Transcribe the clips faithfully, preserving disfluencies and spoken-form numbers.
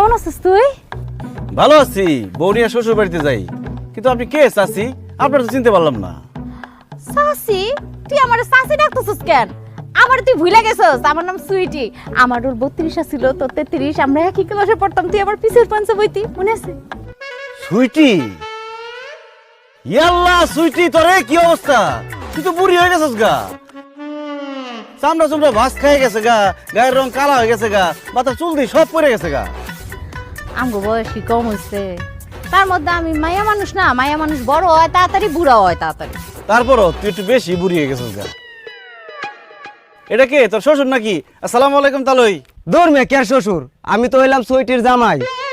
কেমন আছিস তুই? ভালো আছি, বৌনিয়া শ্বশুর বাড়িতে যাই। কিন্তু আপনি কে চাচি? আপনার তো চিনতে পারলাম না। সাসি? তুই আমার সাসি ডাকতেছিস কেন? আমার তুই ভুলে গেছস, আমার নাম সুইটি। আমার ওর বত্রিশ ছিল, তোর তেত্রিশ। আমরা একই ক্লাসে পড়তাম, তুই আমার পিছের পাঞ্চে বইতি, মনে আছে? সুইটি? ইয়াল্লা সুইটি, তোরে কি অবস্থা? তুই তো বুড়ি হয়ে গেছিস গা। চামড়া চুমড়া ভাস খেয়ে গেছে গা, গায়ের রং কালা হয়ে গেছে গা, মাথার চুল দিয়ে সব পড়ে গেছে গা। আমগো বয়স কি কম হইছে? তার মধ্যে আমি মায়া মানুষ না, মায়া মানুষ বড় হয় তাড়াতাড়ি, বুড়া হয় তাড়াতাড়ি। তারপরও তুই একটু বেশি বুড়ি হয়ে গেছিস গা। এটা কে, তোর শ্বশুর নাকি? আসসালামু আলাইকুম তালই। দূর মে কে শ্বশুর, আমি তো হইলাম সুইটির জামাই।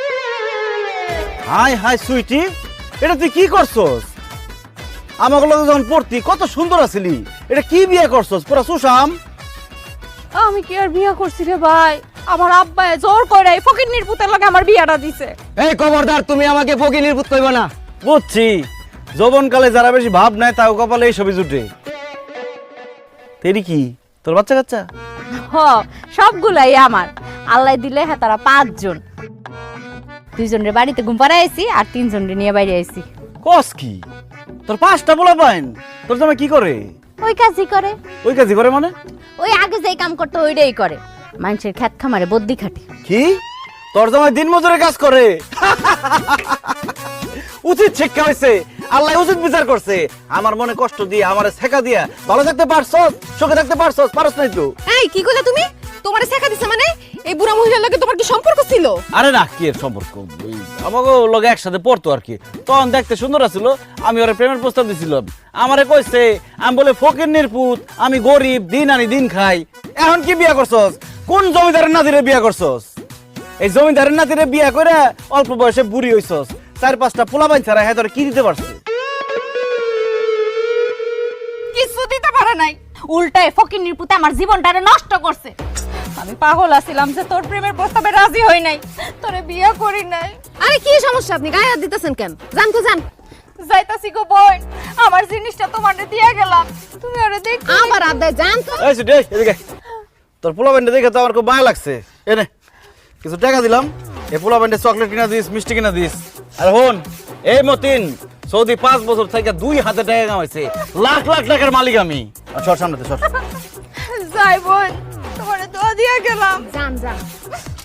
হাই হাই সুইটি, এটা তুই কি করছস? আমাকে লগে যখন পড়তি কত সুন্দর আছিলি, এটা কি বিয়ে করছস? পুরা সুশাম। আমি কি আর বিয়া করছি রে ভাই? আমার আব্বা জোর করে এই ফকিন্নির পুতের লগে আমার বিয়াটা দিছে। এই খবরদার, তুমি আমাকে ফকিনির পুত কইবা না। বুঝছি, যৌবনকালে যারা বেশি ভাব নেয় তাও কপালে এই ছবি জুটে। তেরি কি তোর বাচ্চা কাচ্চা? হ, সবগুলাই আমার। আল্লাহ দিলে হ্যাঁ তারা পাঁচজন। দুইজনের বাড়িতে ঘুম পাড়ায় আইছি আর তিনজনের নিয়ে বাইরে আইছি। কস কি? তোর পাঁচটা পোলা পাইন? তোর জামাই কি করে? ওই কাজই করে। ওই কাজই করে মানে? ওই আগে যেই কাম করতে ওইটাই করে। মানুষের খেত খামারে বদ্যি খাটে। কি? তোর জামাই দিন মজুরে কাজ করে? উচিত শিক্ষা হয়েছে, আল্লাহ উচিত বিচার করছে। আমার মনে কষ্ট দিয়ে, আমার শেখা দিয়া ভালো থাকতে পারছস, সুখে থাকতে পারছস, পারছ নাই তো? এই কি কইলা তুমি? তোমারে শেখা দিছে মানে? এই বুড়া মহিলার লগে তোমার কি সম্পর্ক ছিল? আরে না, কি এর সম্পর্ক? ওই আমাকে লগে একসাথে পড়তো আর কি। তখন দেখতে সুন্দর আছিল, আমি ওরে প্রেমের প্রস্তাব দিছিলাম। আমারে কইছে আমি বলে ফকিন্নির পুত, আমি গরিব, দিন আনি দিন খাই। এখন কি বিয়া করছস? কোন জমিদারের নাতিরে বিয়া করছস? এই জমিদারের নাতিরে বিয়া করে অল্প বয়সে বুড়ি হইছস। চার পাঁচটা পোলাপাইন ছাড়া হ্যাঁ তোর কি দিতে পারছে? কিছু দিতে পারে নাই, উল্টায় ফকিন্নির পুতে আমার জীবনটারে নষ্ট করছে। আমি পাগল আছিলাম যে তোর প্রেমের প্রস্তাবে রাজি হই নাই, তোরে বিয়ে করি নাই। আরে কি সমস্যা, আপনি গায়ে হাত দিতেছেন কেন? জান তো জান। যাইতাছি গো বোন, আমার জিনিসটা তোমারে দিয়ে গেলাম, তুমি ওরে দেখ। আবার আদায় জান তো। এই সুটি, এদিকে তোর পোলাপাইনটা দেখে তো আমার খুব মায়া লাগছে। এনে কিছু টাকা দিলাম, এই পোলাপাইনটা চকলেট কিনা দিস, মিষ্টি কিনা দিস। আর হন, এই মতিন সৌদি পাঁচ বছর থেকে দুই হাতে টাকা কামাইছে, লাখ লাখ টাকার মালিক আমি। আর সর সামনে সর। যাই বোন, তোমারে দোয়া দিয়ে গেলাম। জান জান।